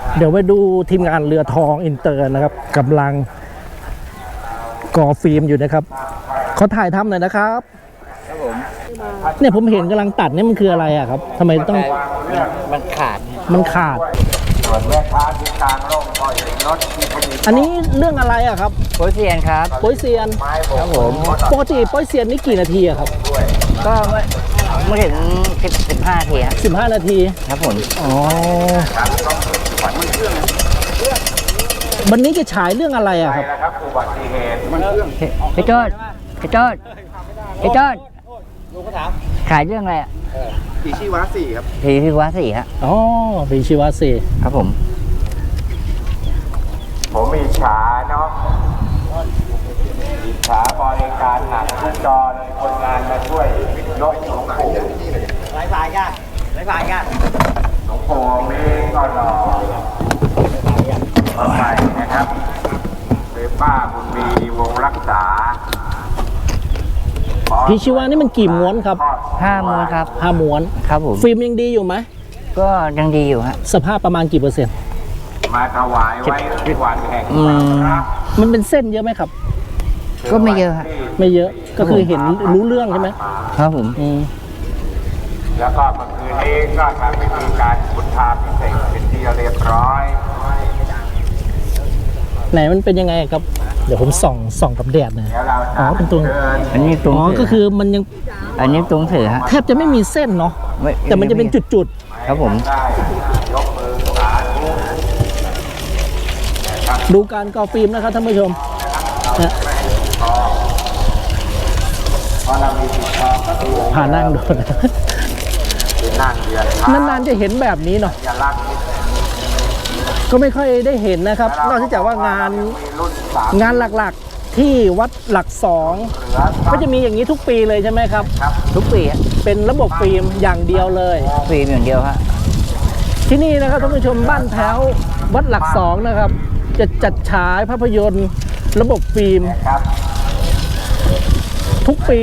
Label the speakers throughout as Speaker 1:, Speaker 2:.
Speaker 1: เดี๋ยวไปดูทีมงานเรือทองอินเตอร์นะครับกำลังก่อฟิล์มอยู่นะครับเขาถ่ายทำหน่อยนะครับเนี่ยผมเห็นกำลังตัดเนี่ยมันคืออะไรอะครับทำไมต้อง
Speaker 2: มันขาด
Speaker 3: ส่วนแม่ค้าที่กลางร่มก็เห็นรถที่ผลิต
Speaker 1: อันนี้เรื่องอะไรอะครับ
Speaker 2: โปยเซียนครับ
Speaker 1: โป้ยเซียน
Speaker 2: ครับผม
Speaker 1: ปกติโป้ยเซียนนี่กี่นาทีอะครับ
Speaker 2: ก็ไม่ถึง15 นาทีครับ
Speaker 1: 15 นาที
Speaker 2: ครับผม
Speaker 1: อ๋อวันนี้จะฉายเรื่องอะไรอะครับ
Speaker 3: อุบัติเหตุมันเรื่อง
Speaker 2: พี่โจ้ขายเรื่องอะไรอ่ะ
Speaker 3: ผีชีวะ4ครับ
Speaker 2: ผีชีวะ4ครับ
Speaker 1: อ๋อผีชีวะ4
Speaker 2: ครับผม
Speaker 3: มีฉาเนาะมีฉาบริการหนักทุกจอเลยคนงานมาช่วยยกหลวงปู่
Speaker 2: หลายฝ่ายกัน
Speaker 3: หลวงปู่มีก็รอมาใหม่นะครับเป็นป้าบุญมีวงรักษา
Speaker 1: ผีชีวะนี่มันกี่ม้วนครับ
Speaker 2: 5 ม้วนครับ
Speaker 1: 5 ม้วน
Speaker 2: ครับผม
Speaker 1: ฟิล์มยังดีอยู่ไหม
Speaker 2: ก็ยังดีอยู่ฮะ
Speaker 1: สภาพประมาณกี่เปอร์เซ็นต์
Speaker 3: มาถวายไว้ที่วันแห่ง
Speaker 1: มันเป็นเส้นเยอะไหมครับ
Speaker 2: ก็ไม่เยอะฮะ
Speaker 1: ไม่เยอะก็คือเห็นรู้เรื่องใช่ไหม
Speaker 2: ครับผม
Speaker 3: แล้วก็เมื่อคืนนี้ก็ทำพิธีการพุทธาพิเศษเป็นที่เรียบร้อย
Speaker 1: ไหนมันเป็นยังไงครับเดี๋ยวผมส่องกับแดดนะอ๋อเป็นตัว
Speaker 2: อันนี้ตรง
Speaker 1: อ๋อก็คือมันยัง
Speaker 2: อันนี้ตรงเสือฮะ
Speaker 1: แทบจะไม่มีเส้นเนาะแต่มันจะเป็นจุด
Speaker 2: ๆครับผม
Speaker 1: ดูการก่อฟิล์มนะครับท่านผู้ชมผ่านั่งโดนนานๆจะเห็นแบบนี้เนาะก็ไม่ค่อยได้เห็นนะครับนอกจากว่างานหลักๆที่วัดหลัก2ก็จะมีอย่างนี้ทุกปีเลยใช่ไหมครับ
Speaker 2: ทุกปี
Speaker 1: เป็นระบบฟิล์มอย่างเดียวเลย
Speaker 2: ฟิล์มอย่างเดียวฮะ
Speaker 1: ที่นี่นะครับท่านผู้ชมบ้านแถววัดหลัก2นะครับจะจัดฉายภาพยนตร์ระบบฟิล์มทุกปี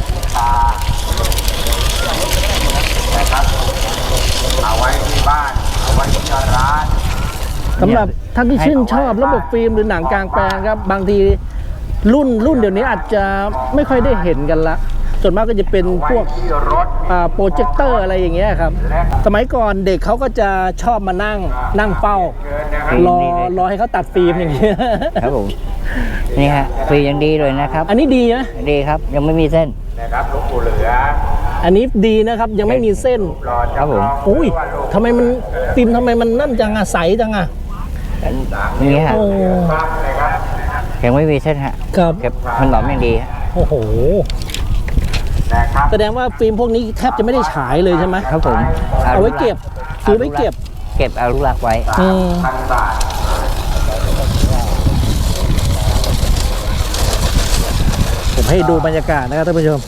Speaker 3: เอาไว้ที่บ้านเอาไว้ที่ร้าน
Speaker 1: สำหรับท่านที่ชื่นชอบระบบฟิล์มหรือหนังกลางแปลงครับบางทีรุ่นเดี๋ยวนี้อาจจะไม่ค่อยได้เห็นกันละส่วนมากก็จะเป็นพวกโปรเจคเตอร์อะไรอย่างเงี้ยครับสมัยก่อนเด็กเขาก็จะชอบมานั่งเฝ้ารอให้เขาตัดฟิล์มอย่างเงี้ย
Speaker 2: ครับผมนี่ฮะฟิล์มยังดีเลยนะครับ
Speaker 1: อันนี้ดีไหม
Speaker 2: ดีครับยังไม่มีเส้น
Speaker 3: นะครับหลวงปู่เหลือ
Speaker 1: อันนี้ดีนะครับยังไม่มีเส้น
Speaker 2: ครับผม
Speaker 1: อุ้ยทำไมมันฟิล์มทำไมมันนั่นจังอะใสจังอะ
Speaker 2: นี่ฮะยังไม่มีเส้นฮะ
Speaker 1: ครับ
Speaker 2: มันหลอมอย่างดี
Speaker 1: โอ้โหแสดงว่าฟิล์มพวกนี้แทบจะไม่ได้ฉายเลยใช่ไหม
Speaker 2: ครับผม
Speaker 1: เอาไว้เก็บซื้อไว้เก็บ
Speaker 2: เอาลูกรักไว้
Speaker 1: ผมให้ดูบรรยากาศนะครับท่านผู้ชม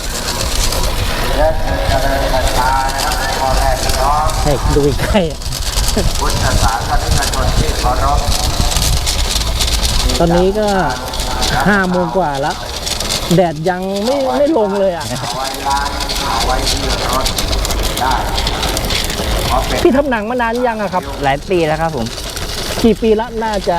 Speaker 1: ให้ดูใกล้
Speaker 3: พุทธศาสนิกชนที่เคารพ
Speaker 1: ตอนนี้ก็5 โมงกว่าแล้วแดดยังไม่ลงเลยอ่ะพี่ทำหนังมานานยังอะครับ
Speaker 2: หลายปีแล้วครับผม
Speaker 1: กี่ปีละน่าจะ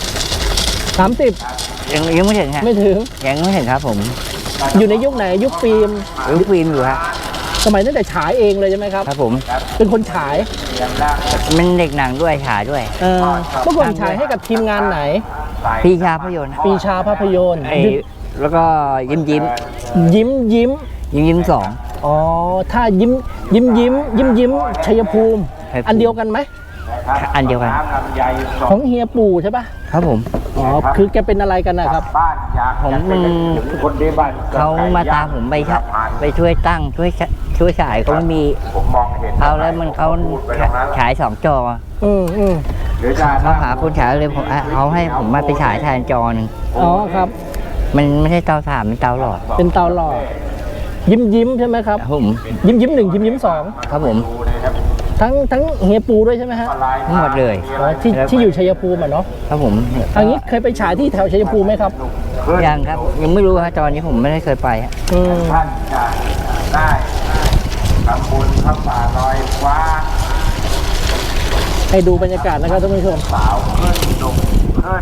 Speaker 1: 30
Speaker 2: ยังไม่ถึงฮะ
Speaker 1: ไม่ถึง
Speaker 2: ยังไม่ถึงครับผม
Speaker 1: อยู่ในยุคไหนยุคฟิล์ม
Speaker 2: อยู่ฮะ
Speaker 1: สมัยตั้งแต่ฉายเองเลยใช่ไหมครับ
Speaker 2: ครับผม
Speaker 1: เป็นคนฉาย
Speaker 2: มันเด็กหนังด้วยฉายด้วย
Speaker 1: เมื่อก่อนฉายให้กับทีมงานไหน
Speaker 2: ปีชาภาพยนตร์แล้วก็ยิ้ม2
Speaker 1: อ๋อถ้ายิ้มชัยภูมิอันเดียวกันไหม
Speaker 2: อันเดียวกัน
Speaker 1: ของเฮียปู่ใช่ปะ
Speaker 2: ครับผม
Speaker 1: อ๋อคือแกเป็นอะไรกันนะครับ
Speaker 2: ผมเขามาตามผมไปช่วยตั้งช่วยฉายเขาไม่มีเขาแล้วเขาฉาย2 จอเขาหาคนฉายเลยเขาให้ผมมาไปฉายแทนจอหนึ่ง
Speaker 1: อ๋อครับ
Speaker 2: มันไม่ใช่เตาถ่านเป็นเตาหลอด
Speaker 1: ยิ้มใช่ไหมครับ
Speaker 2: ผม
Speaker 1: ยิ้ม1ยิ้ม2
Speaker 2: ครับผม
Speaker 1: ทั้งเฮียปูด้วยใช่ไหมฮะ
Speaker 2: หมดเลย
Speaker 1: ที่อยู่ชัยภูมิเนาะ
Speaker 2: ครับผม
Speaker 1: อันนี้เคยไปฉายที่แถวชัยภูมิไหมครับ
Speaker 2: ยังครับยังไม่รู้ฮะตอนนี้ผมไม่ได้เคยไปฮะ
Speaker 3: ท่านจะได้ทำบุญพระป่าลอยฟ้า
Speaker 1: ให้ดูบรรยากาศนะครับท่านผู้ชม
Speaker 3: สาวขึ้นดุมขึ้น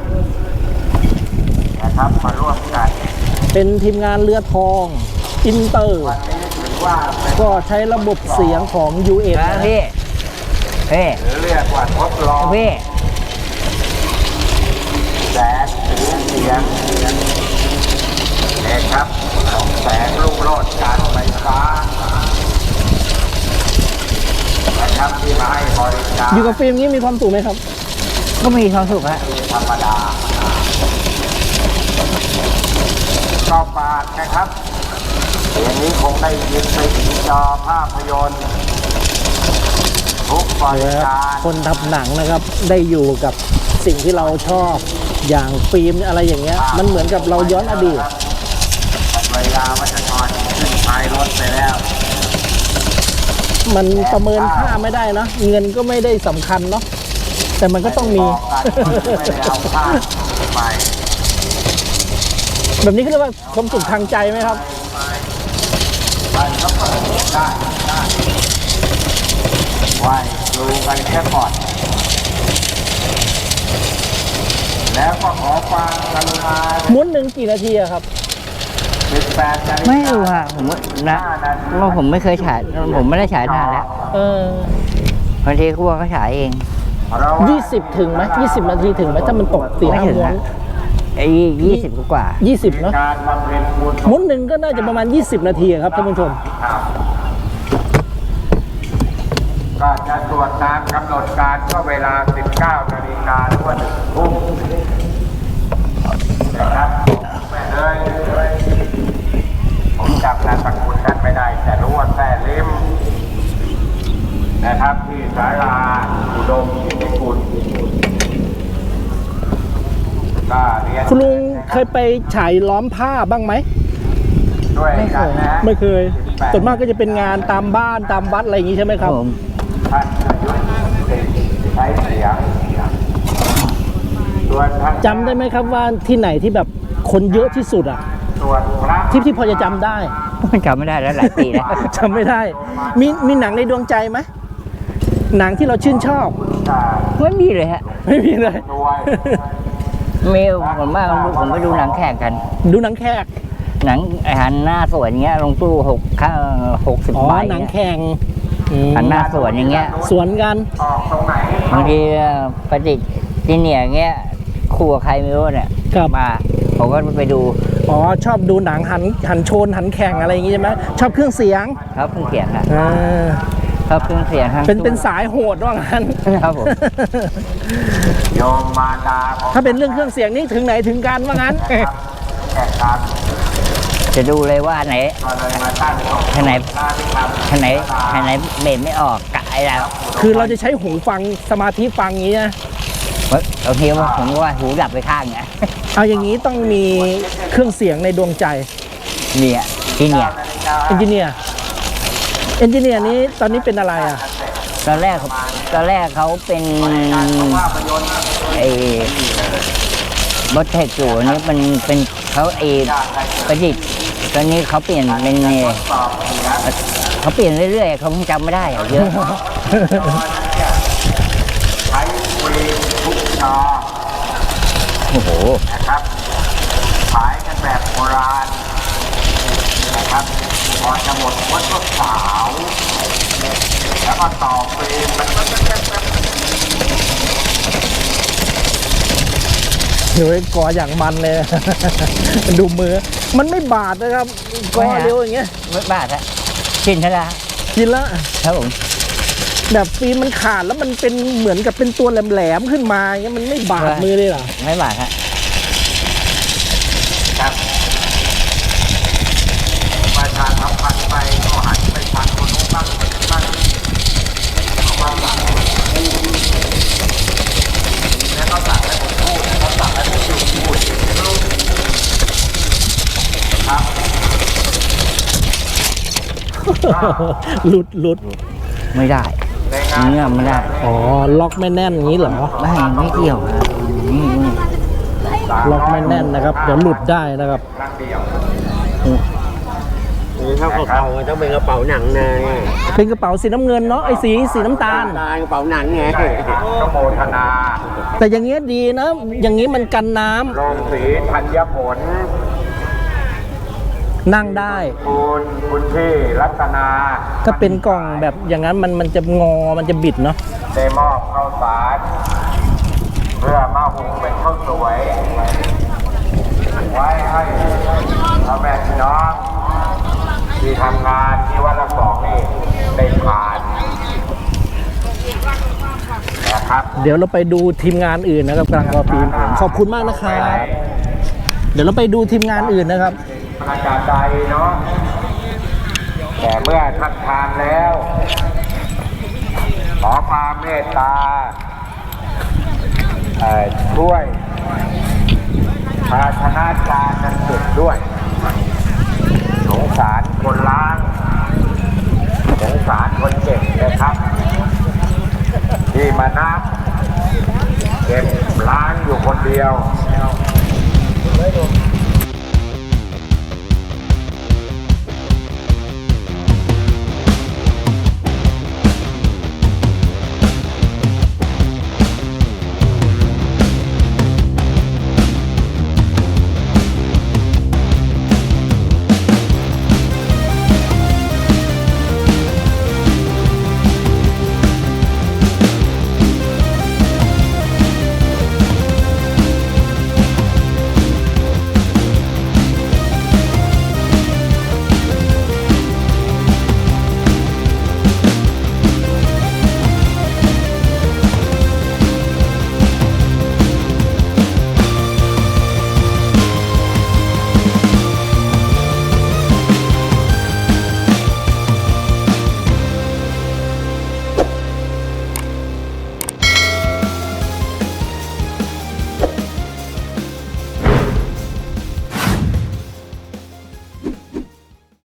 Speaker 3: นะครับมาร่วมกัน
Speaker 1: เป็นทีมงานเรือทองอินเตอร์
Speaker 3: วันนี้ถือว่าเป็น
Speaker 1: ก็ใช้ระบบเสียงของ UN
Speaker 2: นะพี่พี่
Speaker 3: หรือเรียกว่าทดลอง
Speaker 2: พี่
Speaker 3: แสงสีเสียงเอกครับของแสงรุ่งโรจน์การไฟฟ้านะครับที่มาให้บริการ
Speaker 1: อยู่กับฟิล์มนี้มีความสุขไหมครับ
Speaker 2: ก็มีความสุขฮะ
Speaker 3: ธรรมดาก็ฝากนะครับเสียงนี้คงได้ยินไปถึงจอภาพยนตร์ทุกบริการ
Speaker 1: คนทำหนังนะครับได้อยู่กับสิ่งที่เราชอบอย่างฟิล์มอะไรอย่างเงี้ยมันเหมือนกับเราย้อนอดีต
Speaker 3: เวลาวัชกรขึ้นท้ายรถไปแล้ว
Speaker 1: มันประเมินค่าไม่ได้นะเงินก็ไม่ได้สำคัญเนาะแต่มันก็ต้องมี
Speaker 3: บอกกันไม่ได้เอาผ้าไป
Speaker 1: แบบนี้เขาเรียกว่าความสุขทางใจไหมครับ
Speaker 3: มันก็เปิดได้ไหวดูกันแค่ก่อนแล้วก็ขอความกรุณา
Speaker 1: ม้วนหนึ่งกี่นาทีอะครับ
Speaker 3: 18 นาฬิกา
Speaker 2: ไม่รู้ฮะผมนะว่าผมไม่เคยฉายผมไม่ได้ฉายนานแล้ว
Speaker 1: เออบ
Speaker 2: างทีครัวก็ฉายเอง
Speaker 1: 20 ถึงไหม20 นาทีถึงไหมถ้ามันตก4-5
Speaker 2: ไม่ถึง
Speaker 1: ม้วน
Speaker 2: อะไอ้20 กว่า
Speaker 1: 20เนาะ
Speaker 3: การบำเพ็ญบุญ
Speaker 1: ม้วนหนึ่งก็น่าจะประมาณ 20 นาทีอะครับท่านผู้ชม
Speaker 3: ครับก็จะตรวจตามกำหนดการก็เวลา 19 นาฬิกาทั่ว1 ทุ่มนะครับแม่เลยผมจำนามสกุลนั้นไม่ได้แต่รู้ว่าแท้ลิมนะครับที่ศาลาอุดมกิติกุลก็เรียน
Speaker 1: คุณลุงเคยไปฉายล้อมผ้าบ้างไหม
Speaker 3: ด้วยกันนะ
Speaker 1: ไม่เคยส่วนมากก็จะเป็นงานตามบ้านตามวัดอะไรอย่างนี้ใช่ไหมครับ
Speaker 2: ผม
Speaker 3: ท่านอายุใช้เสียงส่วนท่าน
Speaker 1: จำได้ไหมครับว่าที่ไหนที่แบบคนเยอะที่สุดอะ
Speaker 3: ส่วนพระ
Speaker 1: ที่พอจะจำได้
Speaker 2: จำไม่ได้แล้วหลายปีแล้ว
Speaker 1: จำไม่ได้ มีหนังในดวงใจไหมหนังที่เราชื่นชอบ
Speaker 3: การ
Speaker 2: ไม่มีเลยฮะ
Speaker 1: ไม่มีเลย
Speaker 3: ด้วย
Speaker 2: มีผมว่าผมไปดูหนังแข่งกัน
Speaker 1: ดูหนังแขก
Speaker 2: หนังหันหน้าสวนอย่างเงี้ยลงตู้60
Speaker 1: อ๋อ
Speaker 2: ใบ
Speaker 1: หนัง
Speaker 2: เนี่ย
Speaker 1: แข่งอืม
Speaker 2: หันหน้าสวนอย่างเงี้ย
Speaker 1: สวนกัน
Speaker 3: ออกตรงไหน
Speaker 2: บางทีประดิษฐ์ที่เนี่ยอย่างเงี้ยคู่กับใครไม่รู้เนี่ย
Speaker 1: ครับ
Speaker 2: มาผมก็ไปดู
Speaker 1: อ๋อชอบดูหนังหันโชนหันแข่งอะไรอย่างงี้ใช่ไหมชอบเครื่องเสียง
Speaker 2: ครับเครื่องเสียงฮะ
Speaker 1: อ่า
Speaker 2: ครับเครื่องเสียงทั้ง
Speaker 1: เป็นสายโหดว่างั้น
Speaker 2: ครับผม
Speaker 3: โยมมารดาของ
Speaker 1: ถ้าเป็นเรื่องเครื่องเสียงนี่ถึงไหนถึงกันว่างั้น
Speaker 3: แก่การ
Speaker 2: จะดูเลยว่าอันไหน
Speaker 3: ก็เลยมาตั้งศพ
Speaker 2: อันไหน
Speaker 3: หน้าที่ทำ
Speaker 2: อันไหนเบสไม่ออกกะไอ้แล้ว
Speaker 1: คือเราจะใช้หูฟังสมาธิฟังอย่างนี้นะ
Speaker 2: บางทีว่าผมว่าหูดับไปข้างไง
Speaker 1: เอาอย่างนี้ต้องมีเครื่องเสียงในดวงใจ
Speaker 2: เนี่ยที่เนี่ย
Speaker 1: เอนจิเนียร์นี้ตอนนี้เป็นอะไรอ่ะ
Speaker 2: ตอนแรกเขาเป็นไอ้บอสเทคอยู่นี่มันเป็นเขาประดิษฐ์ตอนนี้เขาเปลี่ยนเป็นเขาเปลี่ยนเรื่อยๆเขาคงจำไม่ได้อะเยอะ
Speaker 3: ใช้ฟรีทุกจอ
Speaker 2: โอ้โห
Speaker 3: นะครับขายกันแบบโบราณนะครับพอจะหมดวัดก็สาวแล้วก็ต่อฟรีมันก็
Speaker 1: เดี๋ยวกออย่างมันเลย ดูมือ มันไม่บาดนะครับกอเร็วอย่างเงี้ย
Speaker 2: ไม่บาดฮะชินทละ
Speaker 1: กินละ
Speaker 2: ครับผม
Speaker 1: แบบฟิล์มมันขาดแล้วมันเป็นเหมือนกับเป็นตัวแหลมๆขึ้นมาอย่างเงี้ยมันไม่บาดมือเลยเหรอ
Speaker 2: ไม่บาดฮะ
Speaker 3: ครับประชาสัมพันธ์ไปก็หันไปทางคนนู้นบ้างคนนี้บ้างเอามาสั่งแล้วก็สั่งให้ผมพูดแล้วก็สั่งให้ผมพูดครับ
Speaker 1: หลุด
Speaker 2: ไม่ได้
Speaker 3: ในงาน
Speaker 2: เนื้อไม่ได้
Speaker 1: อ๋อล็อกไม่แน่นอย่างนี้เหรอ
Speaker 2: ไม่เกี่ยวครับนี่
Speaker 1: ล็อกไม่แน่นนะครับเดี๋ยวหลุดได้นะครับ
Speaker 3: ครั้งเดียว
Speaker 4: นี่ถ้ากระเป๋าต้องเป็นกระเป๋าหนังไง
Speaker 1: เป็นกระเป๋าสีน้ำเงินเนาะไอ้สีน้ำตาล
Speaker 4: กระเป๋าหนังไง
Speaker 3: ก็โมทนา
Speaker 1: แต่อย่างเงี้ยดีนะ อย่างงี้มันกันน้ำ
Speaker 3: โรงสีธัญผล
Speaker 1: นั่งได้
Speaker 3: คุณพี่รัตนา
Speaker 1: ถ้าเป็นกล่องแบบอย่างนั้นมันจะงอมันจะบิดเนาะ
Speaker 3: ได้มอบข้าวสารเพื่อมาหุงเป็นข้าวสวย ไว้ให้พ่อแม่พี่น้องที่ทำงานที่วัดละสองนี่ได้ทานนะครับ
Speaker 1: เดี๋ยวเราไปดูทีมงานอื่นนะครับกลางกอฟิล์มขอบคุณมากนะครับเดี๋ยวเราไปดูทีมงานอื่นนะครับ
Speaker 3: อาจารย์ใดเนาะแต่เมื่อท่านทานแล้ว ขอความเมตตาช่วยภาชนะจานนั้นเก็บด้วยสงสารคนล้างสงสารคนเก็บนะครับ ที่มานับเก็บล้างอยู่คนเดียว